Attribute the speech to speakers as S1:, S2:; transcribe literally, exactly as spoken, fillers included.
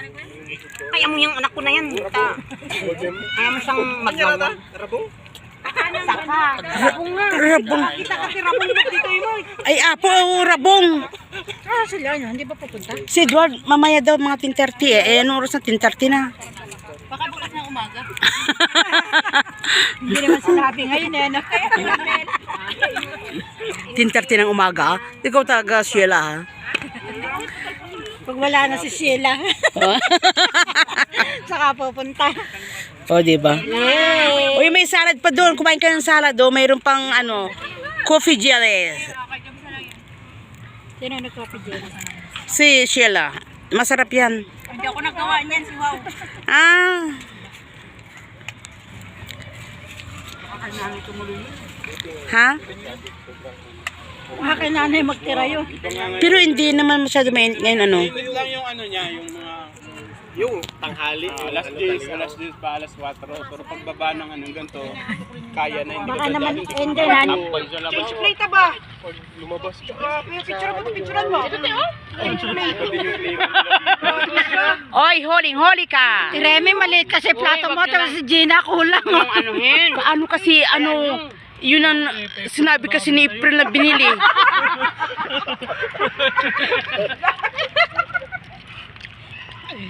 S1: Kaya mo yung anak ko na yan. Ta. Kaya mo siyang maglawan.
S2: Rabong?
S1: Saka. Rabong nga.
S3: Rabong.
S1: Kita kasi rabong mo dito mo.
S3: Ay, apo, oh, rabong.
S1: Ah, sila ano, hindi ba pupunta?
S3: Si Edward, mamaya daw mga ten thirty eh. Eh, anong oras na ten thirty na?
S1: Baka bukas ng umaga. Hindi naman sinabi ngayon eh. No?
S3: ten thirty ng umaga? Ikaw talaga, Sheila, ha?
S1: Pag wala na si Sheila. Saka pupunta.
S3: O, oh, diba?
S1: Yay!
S3: Uy, may salad pa doon. Kumain ka ng salad, oh. Mayroon pang, ano, coffee jelly.
S1: Sino nag-coffee dyan?
S3: Si Sheila. Masarap yan.
S1: Hindi ako nagawa niyan, si Wow.
S3: Ah. Ha?
S1: Baka kay nanay magtira yun.
S3: Pero hindi naman masyado mainit ngayon, ano?
S2: Ito lang yung ano niya, yung mga... Yung tanghali. Uh, alas diyes, alas diyes pa, alas kwatro. Pero pagbaba ng anong ganito, kaya na hindi
S1: Baka
S2: ka
S1: naman,
S2: dadalhin.
S1: hindi na.
S2: Pag sa labas.
S1: Plate ba?
S2: Pag lumabas ka.
S1: Picture mo, picturean mo. Ito tayo?
S3: Oy, holing, holi ka!
S1: Si Remy maliit kasi plato mo, tapos si Gina kulang.
S3: Anuhin? Ano kasi, ano, yun ang sinabi kasi ni April na binili.